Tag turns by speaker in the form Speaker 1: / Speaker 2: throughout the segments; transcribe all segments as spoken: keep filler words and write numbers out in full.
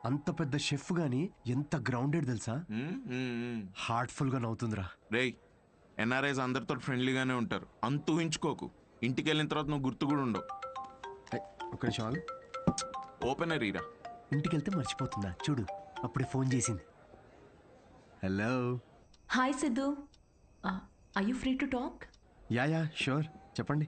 Speaker 1: అంత పెద్ద షెఫ్ గాని ఎంత గ్రౌండెడ్ తెలుసా? హార్ట్ఫుల్ గా నవ్వుతుందిరా.
Speaker 2: రేయ్, ఎన్ఆర్ఐస్ అందరితో ఫ్రెండ్లీగానే ఉంటారు, అంత ఊహించుకోకు. ఇంటికి వెళ్ళిన తర్వాత నువ్వు గుర్తు కూడా ఉండవు.
Speaker 1: ఒక నిమిషం ఆగు.
Speaker 2: ఓపెనర్ ఈరా.
Speaker 1: ఇంటికి వెళ్తే మర్చిపోతుందా చూడు, అప్పుడే ఫోన్ చేసింది. Hello.
Speaker 3: Hi Siddhu, are you free to talk?
Speaker 1: Yeah yeah sure, చెప్పండి.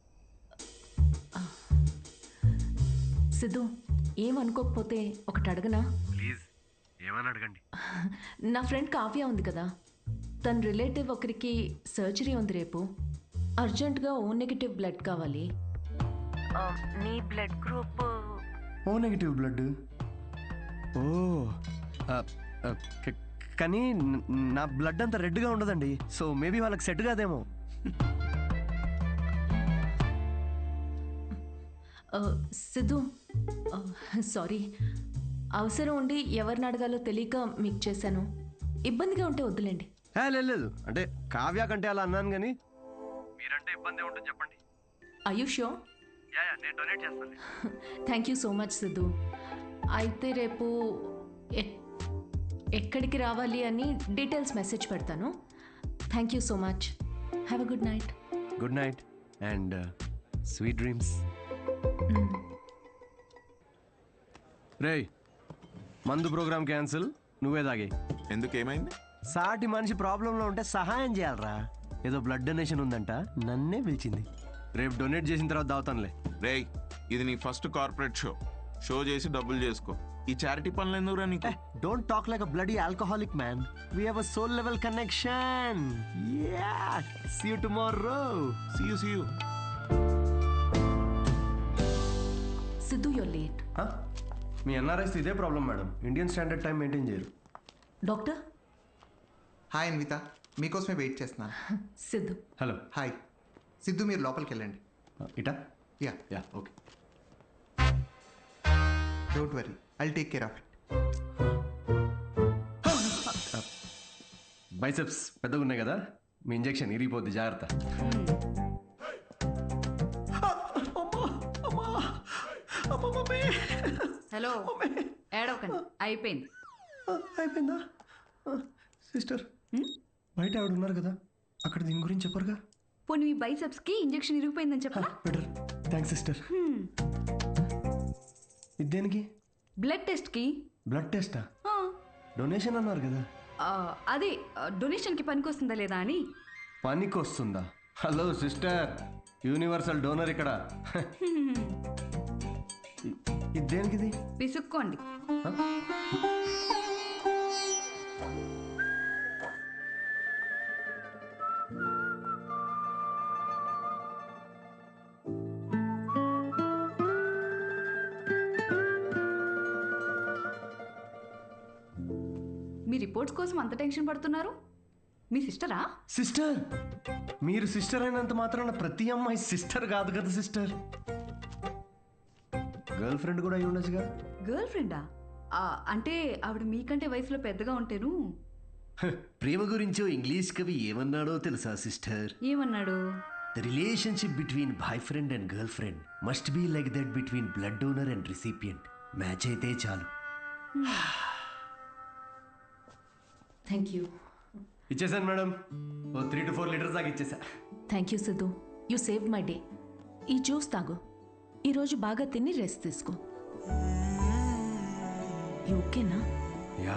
Speaker 3: సిద్ధు, ఏమనుకోకపోతే ఒకటి అడగనా?
Speaker 1: ప్లీజ్ ఏమని అడగండి.
Speaker 3: నా ఫ్రెండ్ కావ్య ఉంది కదా, తన రిలేటివ్ ఒకరికి సర్జరీ ఉంది రేపు. అర్జెంటుగా ఓ నెగిటివ్ బ్లడ్ కావాలి. నీ blood group
Speaker 1: O negative blood. ఓ కానీ నా బ్లడ్ అంత రెడ్గా ఉండదండి, సో మేబీ వాళ్ళకి సెట్ కాదేమో.
Speaker 3: సిద్ధు, సారీ, అవసరం ఉండి ఎవరిని అడగాలో తెలియక మీకు చేశాను. ఇబ్బందిగా ఉంటే వద్దులేండి.
Speaker 1: లేదు, అంటే కావ్య కంటే అలా అన్నాను కానీ మీరంటే ఇబ్బంది ఉంటుంది చెప్పండి.
Speaker 3: Are you sure?
Speaker 1: నేను డొనేట్ చేస్తాను.
Speaker 3: Thank you so much Siddhu. అయితే రేపు ఎక్కడికి రావాలి అని డీటెయిల్స్ మెసేజ్ పెడతాను. Thank you so much. Have a good night.
Speaker 1: Good night and sweet dreams. రేయ్, మందు ప్రోగ్రామ్ క్యాన్సిల్, నువ్వే తాగే.
Speaker 2: ఎందుకు, ఏమైంది?
Speaker 1: సాటి మనిషి ప్రాబ్లంలో ఉంటే సహాయం చేయాలరా. ఏదో బ్లడ్ డొనేషన్ ఉందంట, నన్నే పిలిచింది. రేపు డొనేట్ చేసిన తర్వాత దావుతానులే.
Speaker 2: రేయ్, ఇది నీ ఫస్ట్ కార్పొరేట్ షో. షో చేసి డబ్బులు చేసుకో. ఈ చారిటీ పనులు ఎందుకురా నీకు?
Speaker 1: Don't talk like a bloody alcoholic man. We have a soul level connection. Yeah, see you tomorrow.
Speaker 2: See you see you.
Speaker 3: Siddhu, you're late.
Speaker 1: మీ ఎన్ఆర్ఐస్ ఇదే problem madam, Indian standard time maintain చేయరు.
Speaker 3: Doctor.
Speaker 4: Hi Anvitha, మీకోసమే wait చేస్తున్నాను.
Speaker 3: Siddhu.
Speaker 1: Hello.
Speaker 4: Hi Siddhu, మీరు లోపలికి వెళ్ళండి.
Speaker 1: ఇటా?
Speaker 4: Yeah
Speaker 1: yeah okay.
Speaker 4: Don't worry, I'll take care of it.
Speaker 1: Biceps పెద్దగా ఉన్నాయి కదా, మీ ఇంజెక్షన్ ఇరిగిపోద్ది, జాగ్రత్త.
Speaker 5: హలో, ఏడవకండి, అయిపోయింది.
Speaker 1: అయిపోయిందా? సిస్టర్, బయట ఆవిడ ఉన్నారు కదా, అక్కడ దీని గురించి చెప్పరుగా?
Speaker 5: పోనీ మీ బైసెప్స్ కి ఇంజెక్షన్ ఇరిగిపోయిందని చెప్పరా?
Speaker 1: Better, thanks sister. ఇది దేనికి?
Speaker 5: బ్లడ్ టెస్ట్ కి.
Speaker 1: బ్లడ్ టెస్టా? డొనేషన్ అన్నారు కదా.
Speaker 5: అదే డొనేషన్ కి పనికి వస్తుందా లేదా అని.
Speaker 1: పనికి వస్తుందా? హలో సిస్టర్, యూనివర్సల్ డోనర్ ఇక్కడ. ఇది దేనికిది?
Speaker 5: పిసుక్కోండి. మీ రిపోర్ట్స్ కోసం అంత టెన్షన్ పడుతున్నారు? మీ సిస్టరా?
Speaker 1: సిస్టర్? మీరు సిస్టర్ అయినంత మాత్రాన ప్రతి అమ్మాయి సిస్టర్ కాదు కదా సిస్టర్. గర్ల్ ఫ్రెండ్ కూడా అయి ఉండొచ్చుగా.
Speaker 5: గర్ల్ ఫ్రెండా? అంటే ఆవిడ మీకంటే వయసులో పెద్దగా ఉంటేను.
Speaker 1: ప్రేమ గురించో ఇంగ్లీష్ కవి ఏమన్నాడో తెలుసా సిస్టర్?
Speaker 5: ఏమన్నాడు?
Speaker 1: The relationship between boyfriend and girlfriend must be like that between blood donor and recipient. Match అయితే చాలు.
Speaker 3: Thank you.
Speaker 1: ఇచ్చేసాను మేడం, ఓ త్రీ టు ఫోర్ లీటర్స్ దాకా ఇచ్చేసా.
Speaker 3: Thank you Siddhu, you save my day. ఈ juice తాగు, ఈరోజు బాగా తిని రెస్ట్ తీసుకో. ఓకేనా?
Speaker 1: యా.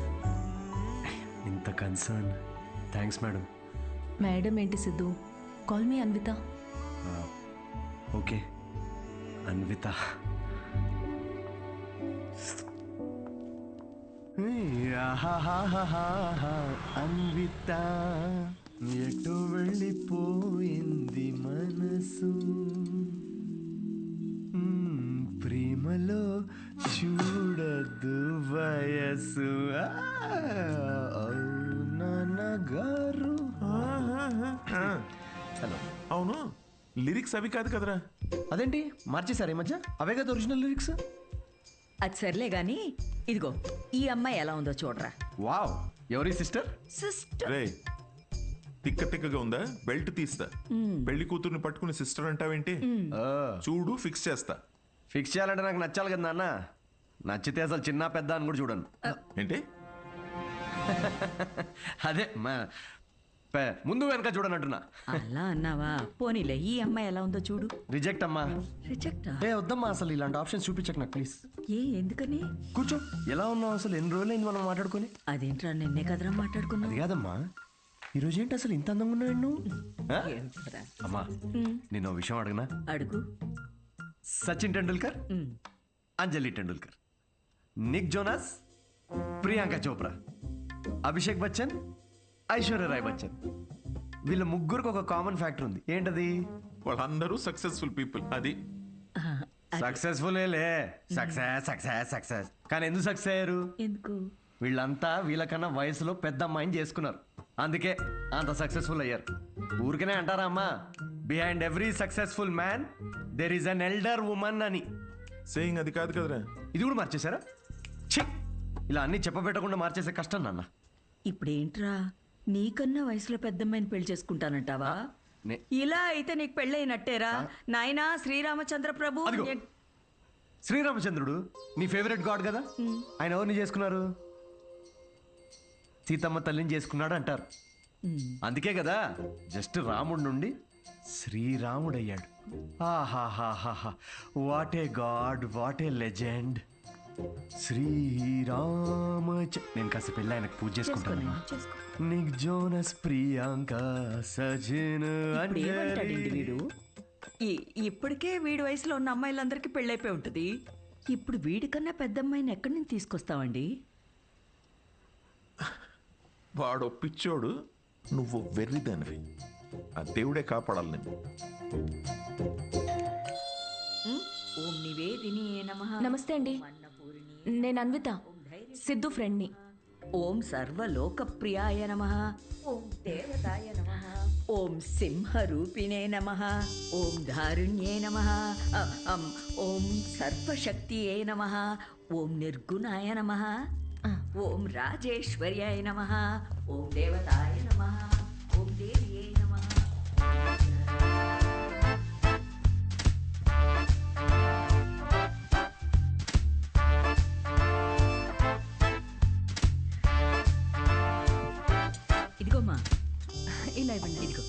Speaker 1: ఇంత కన్సర్న్, థ్యాంక్స్ మేడం.
Speaker 3: మేడం ఏంటి Siddhu, call me Anvitha.
Speaker 1: Okay Anvitha. Anvitha ఎటు వెళ్ళిపోయింది మనసు, ప్రేమలో చూడదు వయసు. నాన్నగారు. హలో.
Speaker 2: అవును, లిరిక్స్ అవి కాదు కదరా?
Speaker 1: అదేంటి మార్చేశారు ఈ మధ్య? అవే కదా ఒరిజినల్ లిరిక్స్.
Speaker 6: అది సర్లే గాని, ఇదిగో ఈ అమ్మాయి ఎలా ఉందో చూడరా.
Speaker 1: వావ్, ఎవరి సిస్టర్?
Speaker 6: సిస్టర్.
Speaker 2: రే, తిక్క తిక్కగా ఉందా? బెల్ట్ తీస్తా. పెళ్లి కూతుర్ని పట్టుకుని సిస్టర్ అంటావేంటి? చూడు, ఫిక్స్ చేస్తా.
Speaker 1: ఫిక్స్ చేయాలంటే నాకు నచ్చాలి కదా నాన్న. నచ్చితే అసలు చిన్న పెద్ద అని కూడా చూడను.
Speaker 2: ఏంటి?
Speaker 1: అదే మా పే- ముందు వెనక చూడనంటున్నా.
Speaker 6: అలా అన్నావా? పోనీలే, ఈ అమ్మాయి ఎలా ఉందో చూడు.
Speaker 1: రిజెక్ట్ అమ్మా.
Speaker 6: రిజెక్టా?
Speaker 1: ఏ వద్దమ్మా, అసలు ఇలాంటి ఆప్షన్స్ చూపించకు నాకు ప్లీజ్.
Speaker 6: ఏ ఎందుకని?
Speaker 1: కూర్చో. ఎలా ఉన్నావు అసలు? ఎన్ని రోజులైంది మనం మాట్లాడుకొని?
Speaker 6: అదేంట్రా నిన్నే కదరా మాట్లాడుకున్నా.
Speaker 1: అది కాదమ్మా, ఈరోజు ఏంటి అసలు ఇంత అందంగా ఉన్నావు నువ్వు? ఆ?
Speaker 6: ఏంట్రా?
Speaker 1: అమ్మా నేను విషయం అడగనా?
Speaker 6: అడుగు.
Speaker 1: Sachin Tendulkar,
Speaker 6: um.
Speaker 1: Anjali Tendulkar, Nick Jonas, Priyanka Chopra, Abhishek Bachchan, Aishwarya Rai Bachchan, వీళ్ళ ముగ్గురికి ఒక కామన్ ఫ్యాక్టర్ ఉంది. ఏంటది?
Speaker 2: వాళ్ళందరూ సక్సెస్ఫుల్ పీపుల్. అది
Speaker 6: ఆ,
Speaker 1: సక్సెస్ఫుల్ లే సక్సెస్ సక్సెస్ సక్సెస్ కానీ ఎందుకు సక్సెస్ అయ్యారు?
Speaker 6: ఎందుకు?
Speaker 1: వీళ్ళంతా వీళ్ళకన్నా వయసులో పెద్ద అమ్మాయిని చేసుకున్నారు, అందుకే అంత సక్సెస్ఫుల్ అయ్యారు. ఊరికనే అంటారా అమ్మా, behind every successful man there is an elder woman అని.
Speaker 2: సేయింగ్ అది కాదు కదరా.
Speaker 1: ఇది కూడా మార్చేశారా? ఛీ, ఇలా అన్ని చెప్పబెట్టకుండా మార్చేసే కష్టం నాన్న.
Speaker 6: ఇప్పుడేంట్రా, నీకన్నా వయసులో పెద్దమ్మాయిని పెళ్లి చేసుకుంటానంటావా?
Speaker 1: నే-
Speaker 6: ఇలా అయితే నీకు పెళ్ళైనట్టేరా నాయనా శ్రీరామచంద్ర ప్రభు.
Speaker 1: అదిగో.
Speaker 6: నే-
Speaker 1: శ్రీరామచంద్రుడు నీ ఫేవరెట్ గాడ్ కదా, ఆయన ఎవరిని చేసుకున్నారు? సీతమ్మ తల్లిని చేసుకున్నాడు అంటారు.
Speaker 6: ఉమ్.
Speaker 1: అందుకే కదా జస్ట్ రాముడి నుండి శ్రీరాముడు అయ్యాడు. ఆహాహాహాహా, what a god, what a legend. Srirama. నేను కాస్త పెళ్ళి ఆయనకు పూజ చేసుకుంటాను.
Speaker 6: చేసుకో.
Speaker 1: నిక్ జోనస్, ప్రియాంక, సజిన్,
Speaker 6: ఇప్పుడు ఏమంటాడండి
Speaker 1: అంజలి.
Speaker 6: వీడు? ఈ- ఇప్పటికే వీడి వయసులో ఉన్న అమ్మాయిలందరికీ పెళ్ళైపోయి ఉంటుంది. ఇప్పుడు వీడికన్నా పెద్ద అమ్మాయిని ఎక్కడి నుంచి తీసుకొస్తావండి?
Speaker 2: వాడు పిచ్చోడు, నువ్వు వెర్రిదానివి. ఆ దేవుడే కాపాడాలి నేను.
Speaker 6: ఉమ్? ఓం నివేదిని నమః.
Speaker 3: నమస్తే అండి,
Speaker 6: అన్నపూర్ణి.
Speaker 3: నేను అన్విత, సిద్ధు ఫ్రెండ్ని.
Speaker 6: ఓం సర్వలోకప్రియాయ నమః. ఓం దేవతాయ నమః. ఓం సింహరూపిణే నమః. ఓం ధారుణ్యే నమః. అ, అం, ఓం సర్వశక్తియే నమః. ఓం నిర్గుణాయ నమః. ఓం రాజేశ్వర్యాయ నమః. ఓం దేవతాయ నమః. ఓం దేవ్యే నమః. ఇదిగోమ్మా,
Speaker 3: ఇలా ఇవ్వండి.
Speaker 6: ఇదిగో.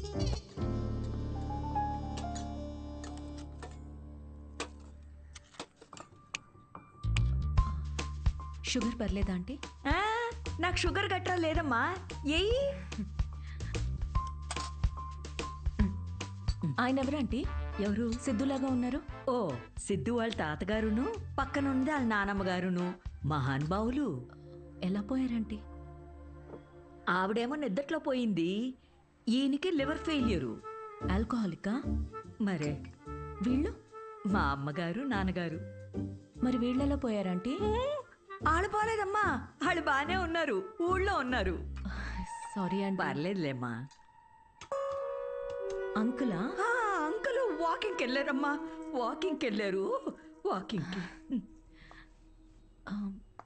Speaker 3: షుగర్ పర్లేదా ఆంటీ?
Speaker 6: ఆ, నాకు షుగర్ గట్రా లేదమ్మా. ఏయ్,
Speaker 3: ఆయన ఎవరు ఆంటీ?
Speaker 6: ఎవరు?
Speaker 3: సిద్ధులాగా ఉన్నారు.
Speaker 6: ఓ, సిద్ధు వాళ్ళ తాతగారును, పక్కనుంది వాళ్ళ నానమ్మగారును మహానుభావులు.
Speaker 3: ఎలా పోయారంటీ?
Speaker 6: ఆవిడేమో నిద్దట్లో పోయింది, ఈయనకి లివర్ ఫెయిల్యూరు.
Speaker 3: ఆల్కహాలికా?
Speaker 6: మరే
Speaker 3: వీళ్ళు?
Speaker 6: మా అమ్మగారు నాన్నగారు.
Speaker 3: మరి వీళ్ళెలా పోయారంటీ?
Speaker 6: వాళ్ళు పోలేదమ్మా, వాళ్ళు బాగానే ఉన్నారు, ఊళ్ళో ఉన్నారు.
Speaker 3: సారీ అండి.
Speaker 6: పర్లేదులేమ్మా.
Speaker 3: అంకులా?
Speaker 6: ఆ, అంకుల్ వాకింగ్కి వెళ్ళారమ్మా, వాకింగ్కి వెళ్ళారు, వాకింగ్కి.
Speaker 3: ఆ,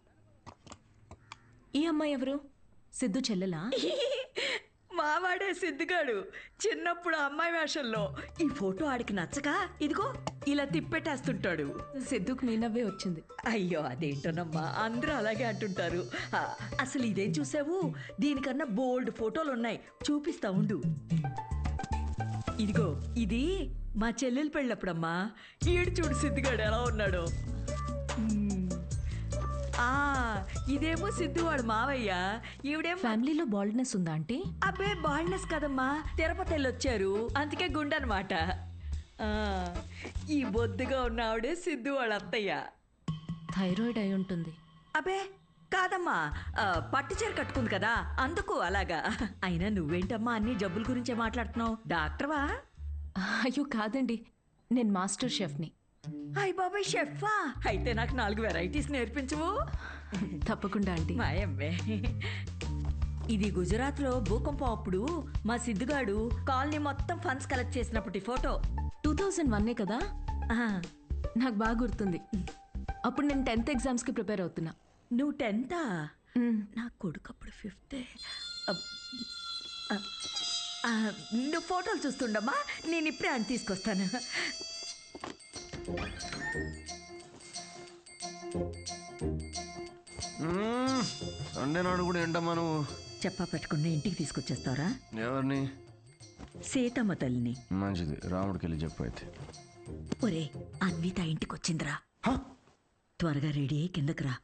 Speaker 3: ఈ అమ్మాయి ఎవరు? సిద్ధు చెల్లెలా?
Speaker 6: మావాడే సిద్ధిగాడు చిన్నప్పుడు అమ్మాయి వేషంలో. ఈ ఫోటో ఆడికి నచ్చక ఇదిగో ఇలా తిప్పెట్టేస్తుంటాడు.
Speaker 3: సిద్ధుకు మీ నవ్వే వచ్చింది.
Speaker 6: అయ్యో అదేంటోనమ్మా, అందరూ అలాగే అంటుంటారు. ఆ, అసలు ఇదేం చూసావు, దీనికన్నా బోల్డ్ ఫోటోలు ఉన్నాయి, చూపిస్తా ఉండు. ఇదిగో ఇది మా చెల్లెలు పెళ్ళప్పుడమ్మా. ఈడు చూడు సిద్ధిగాడు ఎలా ఉన్నాడో. మ్మ్. ఆ, ఇదేమో సిద్ధు వాడు మావయ్య, ఈవిడేమో.
Speaker 3: ఫ్యామిలీలో బాల్డ్నెస్ ఉందా ఆంటీ?
Speaker 6: అబ్బే బాల్నెస్ కదమ్మా, తిరుపతి వెళ్ళొచ్చారు, అందుకే గుండెనమాట. ఈ బొద్దుగా ఉన్న ఆవిడే సిద్ధు వాళ్ళ అత్తయ్య.
Speaker 3: థైరాయిడ్ అయి ఉంటుంది.
Speaker 6: అబ్బే కాదమ్మా, ఆ, పట్టు చీర కట్టుకుంది కదా అందుకు అలాగా. అయినా నువ్వేంటమ్మా అన్ని జబ్బుల గురించే మాట్లాడుతున్నావు, డాక్టర్వా?
Speaker 3: అయ్యో కాదండి, నేను మాస్టర్ షెఫ్ని.
Speaker 6: అయ్ బాబాయ్ షెఫా, అయితే నాకు నాలుగు వెరైటీస్ నేర్పించవు.
Speaker 3: తప్పకుండా ఆంటీ.
Speaker 6: మాయమ్మే. ఇది గుజరాత్లో భూకంపం అప్పుడు మా సిద్ధుగాడు కాలనీ మొత్తం ఫండ్స్ కలెక్ట్ చేసినప్పటి ఫోటో.
Speaker 3: టూ థౌజండ్ వన్నే కదా?
Speaker 6: ఆ,
Speaker 3: నాకు బాగా గుర్తుంది. అప్పుడు నేను టెన్త్ ఎగ్జామ్స్కి ప్రిపేర్ అవుతున్నా.
Speaker 6: నువ్వు టెన్తా?
Speaker 3: మ్,
Speaker 6: నా కొడుకు అప్పుడు ఫిఫ్తే. నువ్వు ఫోటోలు చూస్తుండమ్మా, నేను ఇప్పుడే అని తీసుకొస్తాను.
Speaker 1: సండే నాడు కూడా ఏంటమ్మా నువ్వు?
Speaker 6: చెప్పా పెట్టుకున్న ఇంటికి తీసుకొచ్చేస్తారా?
Speaker 1: ఎవరిని?
Speaker 6: సీతమ్మ తల్లిని.
Speaker 1: మంచిది, రాముడికి వెళ్ళి చెప్పు అయితే.
Speaker 6: ఒరే, అన్విత ఇంటికి వచ్చిందిరా. త్వరగా రెడీ అయ్యి కిందకి రా.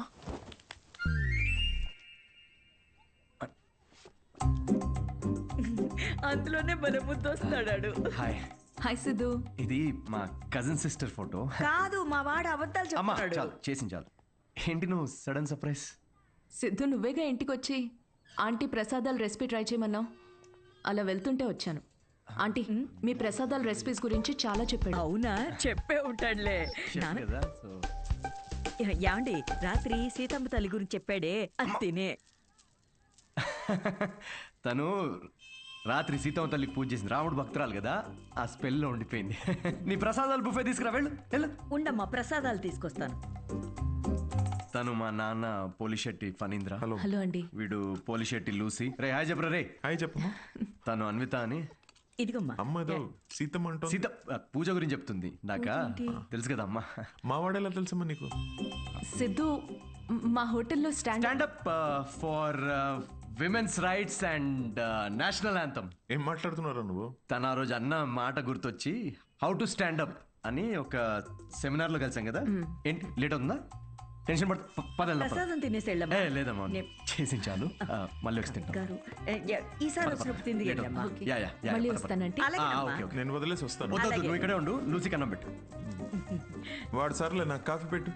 Speaker 6: అందులోనే మన ముద్దు వస్తాడాడు.
Speaker 1: హాయ్.
Speaker 3: హాయ్ సిద్ధు.
Speaker 1: ఇది మా కజిన్ సిస్టర్ ఫోటో.
Speaker 6: కాదు, మా వాడు అబద్ధాలు
Speaker 1: అమ్మా
Speaker 6: చెప్తాడు.
Speaker 1: చాలు, చేసింది చాలు. ఏంటి నువ్వు సడన్ సర్ప్రైజ్?
Speaker 3: సిద్ధు నువ్వేగా ఇంటికి వచ్చి ఆంటీ ప్రసాదాల రెసిపీ ట్రై చేయమన్నావు. అలా వెళ్తుంటే వచ్చాను. ఆంటీ మీ ప్రసాదాల రెసిపీస్ గురించి చాలా చెప్పాడు.
Speaker 6: అవునా, చెప్పే ఉంటాడులే. నాన్న
Speaker 1: కదా సో
Speaker 6: యాండి రాత్రి సీతమ్మ తల్లి గురించి చెప్పాడే, అది తినే.
Speaker 1: తను రాత్రి సీతమ్మ తల్లికి పూజ చేసింది. రాముడు భక్తురాలు కదా, ఆ స్పెల్లో ఉండిపోయింది. నీ ప్రసాదాలు బుఫే తీసుకురా, వెళ్ళు వెళ్ళు.
Speaker 6: ఉండమ్మా, ప్రసాదాలు తీసుకొస్తాను.
Speaker 1: తను మా నాన్న పోలిశెట్టి ఫణీంద్ర.
Speaker 2: హలో.
Speaker 3: హలో అండి.
Speaker 1: వీడు పోలిశెట్టి లూసి. రే హాయ్ చెప్పరా రే.
Speaker 2: హాయ్ చెప్పమ్మా.
Speaker 1: తను అన్విత అని.
Speaker 6: ఇదిగమ్మా.
Speaker 2: అమ్మ ఏదో సీతమ్మ అంటావు.
Speaker 1: సీత ఆ, పూజ గురించి చెప్తుంది. నాకా తెలుసు కదా అమ్మా.
Speaker 2: మా వాడేలా తెలుసమ్మా నీకు?
Speaker 3: సిద్ధు మ్- మా హోటల్లో stand
Speaker 1: stand up for women's rights and national anthem.
Speaker 2: ఏం మాట్లాడుతున్నారా నువ్వు?
Speaker 1: తన ఆ రోజు అన్న మాట గుర్తొచ్చి హౌ టు స్టాండప్ అని ఒక సెమినార్ లో కలిసాం కదా. ఏంటి లేట్ అవుతుందా? టెన్షన్ పడ పదల్లా
Speaker 6: ప్రసాదం తినేసి
Speaker 1: ఏ
Speaker 6: వెళ్ళమ్మా.
Speaker 1: లేదమ్మా,
Speaker 6: నే-
Speaker 1: చేసి చాలు. ఆ, మళ్ళీ వచ్చి తింటాం.
Speaker 6: గారు, ఏ, యా, ఈసారి వచ్చినప్పుడు తింది
Speaker 1: లేట్
Speaker 6: వెళ్ళమ్మా.
Speaker 1: అవుతుంది. యా, యా, యా,
Speaker 3: మళ్ళీ
Speaker 1: పద, పద.
Speaker 3: వస్తానంటే
Speaker 1: ఆ,
Speaker 6: అలాగేనమ్మా.
Speaker 1: Okay okay.
Speaker 2: నేను వదిలేసి వస్తాను.
Speaker 1: వద్దు, వద్దు,
Speaker 6: అలాగే.
Speaker 1: నువ్వు ఇక్కడే ఉండు. లూసి కన్నం పెట్టు.
Speaker 2: వాడు సర్లే, నాకు కాఫీ పెట్టు.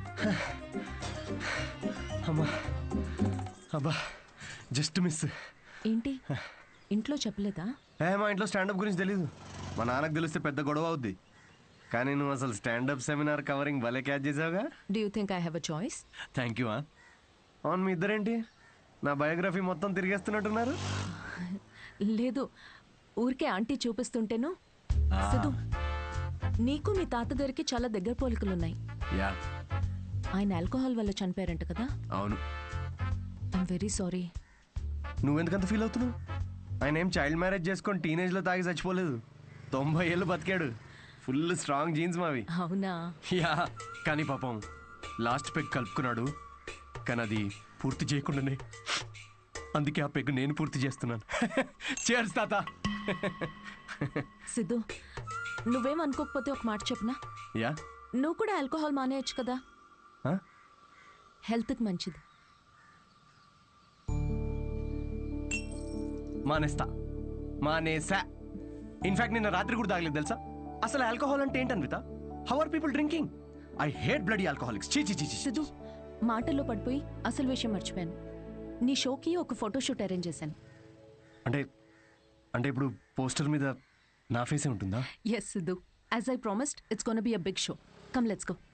Speaker 1: అమ్మా అబ్బా, జస్ట్ మిస్.
Speaker 3: ఏంటి ఇంట్లో చెప్పలేదా?
Speaker 1: ఏ మా ఇంట్లో స్టాండప్ గురించి తెలీదు. మా నాన్నకు తెలిస్తే పెద్ద గొడవ అవుద్ది. కానీ నువ్వు అసలు స్టాండప్ సెమినార్ కవరింగ్ భలే క్యాచ్ చేసావుగా.
Speaker 3: Do you think I have a choice?
Speaker 1: Thank you. అవును, మీ ఇద్దరేంటి నా బయోగ్రఫీ మొత్తం తిరిగేస్తున్నట్టున్నారు?
Speaker 3: లేదు, ఊరికే ఆంటీ చూపిస్తుంటేను. సిద్ధు నీకు మీ తాతగారికి చాలా దగ్గర పోలికలున్నాయి.
Speaker 1: యా
Speaker 3: ఆయన ఆల్కహాల్ వల్ల చనిపోయారంట కదా.
Speaker 1: అవును.
Speaker 3: I'm very sorry.
Speaker 1: నువ్వెందుకంత ఫీల్ అవుతున్నావు? ఆయన ఏం చైల్డ్ మ్యారేజ్ చేసుకొని టీనేజ్లో తాగి చచ్చిపోలేదు. తొంభై ఏళ్ళు బతికాడు. ఫుల్ స్ట్రాంగ్ జీన్స్ మావి.
Speaker 3: అవునా?
Speaker 1: యా, కానీ పాపం లాస్ట్ పెగ్ కలుపుకున్నాడు. కానీ అది పూర్తి చేయకుండానే, అందుకే ఆ పెగ్ నేను పూర్తి చేస్తున్నాను. చేర్స్ తాత.
Speaker 3: సిద్ధు నువ్వేం అనుకోకపోతే ఒక మాట చెప్పనా?
Speaker 1: యా.
Speaker 3: నువ్వు కూడా ఆల్కహాల్ మానేయచ్చు కదా,
Speaker 1: Huh?
Speaker 3: హెల్త్కి మంచిది.
Speaker 1: మానేస్తా, మానేసా. ఇన్ఫాక్ట్ నిన్న రాత్రి కూడా తాగలేదు తెలుసా. అసలు ఆల్కహాల్ అంటే ఏంటన్విత? How are people drinking? I hate bloody alcoholics. చీ చీ చీ చీ.
Speaker 3: సిద్ధు మాటల్లో పడిపోయి అసలు విషయం మర్చిపోయాను. నీ షోకి ఒక ఫోటోషూట్ అరేంజ్ చేశాను.
Speaker 1: అంటే అంటే ఇప్పుడు పోస్టర్ మీద నా ఫేసే ఉంటుందా?
Speaker 3: Yes Siddhu, as I promised it's gonna be a big show. Come let's go.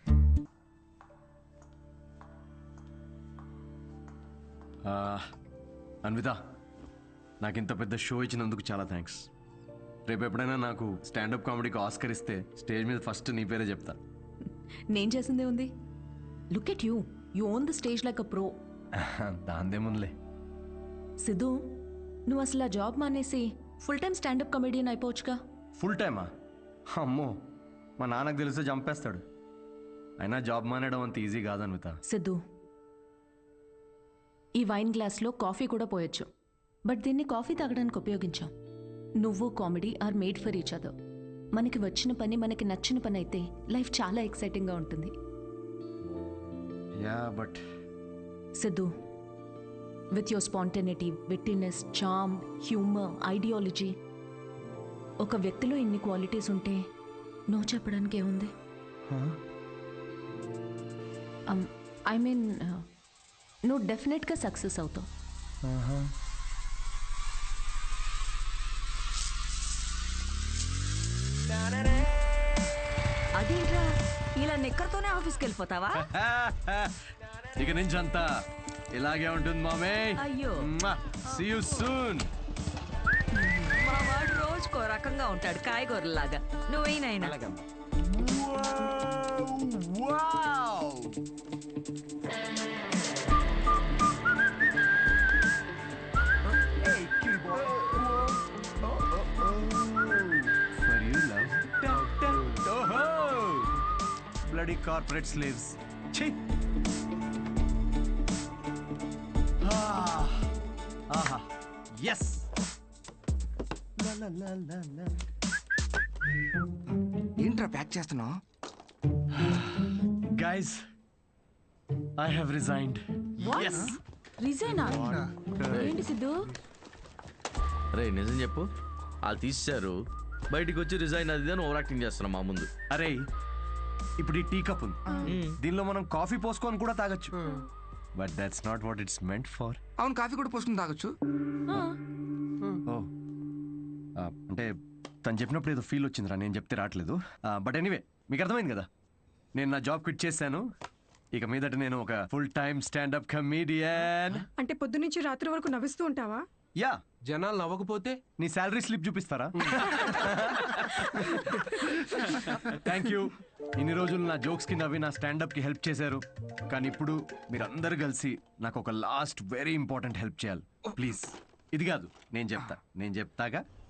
Speaker 1: Anvitha, నాకు ఇంత పెద్ద షో ఇచ్చినందుకు చాలా థ్యాంక్స్. రేపు ఎప్పుడైనా నాకు స్టాండప్ కామెడీకి ఆస్కర్ ఇస్తే స్టేజ్ మీద ఫస్ట్ నీ పేరే చెప్తా.
Speaker 3: నేను చేసిందే ఉంది. Look at you, you own the stage like a pro.
Speaker 1: దాందేముందిలే.
Speaker 3: సిద్ధు నువ్వు అసలు ఆ జాబ్ మానేసి ఫుల్ టైం స్టాండప్ కమెడియన్ అయిపోవచ్చుగా.
Speaker 1: ఫుల్ టైమా? అమ్మో, మా నాన్నకు తెలిస్తే చంపేస్తాడు. అయినా జాబ్ మానేయడం అంత ఈజీ కాదు అన్విత.
Speaker 3: సిద్ధు ఈ వైన్ గ్లాస్లో కాఫీ కూడా పోయొచ్చు, బట్ దీన్ని కాఫీ తాగడానికి ఉపయోగించాం. నువ్వు comedy are made for each other. మనకి వచ్చిన పని మనకి నచ్చిన పని అయితే లైఫ్ చాలా ఎక్సైటింగ్గా ఉంటుంది.
Speaker 1: Yeah but
Speaker 3: Siddhu, with your spontaneity, wittiness, charm, humour, ideology, ఒక వ్యక్తిలో ఇన్ని క్వాలిటీస్ ఉంటే నువ్వు చెప్పడానికి ఏముంది? ఐ మీన్ నువ్వు డెఫినెట్గా సక్సెస్ అవుతావు.
Speaker 6: అదేంట్రా, ఇలా నిక్కర్తోనే ఆఫీస్కి వెళ్ళిపోతావా?
Speaker 1: ఇక నుంచి అంతా ఇలాగే ఉంటుంది మామే.
Speaker 6: అయ్యో.
Speaker 1: See you soon.
Speaker 6: మా వాడు రోజుకో రకంగా ఉంటాడు, కాయగూరలాగా. నువ్వేనైనా
Speaker 1: బ్లడీ కార్పొరేట్ స్లేవ్స్. ఛీ! ఆహా ఎస్.
Speaker 7: ఏంట్రా ప్యాక్ చేస్తున్నావు?
Speaker 1: Guys, I have resigned. Yes.
Speaker 3: రిజైనా? ఏంటి సిద్ధు?
Speaker 8: రే నిజం చెప్పు, వాళ్ళు తీసేశారు, బయటికి వచ్చి రిజైన్ అది అని ఓవర్ యాక్టింగ్ చేస్తున్నాం మా ముందు.
Speaker 1: అరే ఇప్పుడు ఈ టీ కప్ ఉంది, దీనిలో మనం కాఫీ పోసుకొని కూడా తాగొచ్చు. But that's not what it's meant for.
Speaker 7: అవును, కాఫీ కూడా పోసుకుని తాగొచ్చు.
Speaker 1: ఓ అంటే తను చెప్పినప్పుడు ఏదో ఫీల్ వచ్చిందిరా, నేను చెప్తే రావట్లేదు. బట్ ఎనీవే, మీకు అర్థమైంది కదా, నేను నా జాబ్ క్విట్ చేశాను. ఇక మీదట నేను ఒక ఫుల్ టైమ్ స్టాండప్ కమీడియన్.
Speaker 9: అంటే పొద్దునుంచి రాత్రి వరకు నవ్విస్తూ ఉంటావా?
Speaker 1: యా.
Speaker 10: జనాలు నవ్వకపోతే
Speaker 1: నీ శాలరీ స్లిప్ చూపిస్తారా? Thank you. ఇన్ని రోజులు నా జోక్స్ కి నవ్వి నా స్టాండప్ కి హెల్ప్ చేశారు, కానీ ఇప్పుడు మీరందరూ కలిసి నాకు ఒక లాస్ట్ వెరీ ఇంపార్టెంట్ హెల్ప్ చేయాలి ప్లీజ్. ఇది కాదు, నేను చెప్తా నేను చెప్తాగా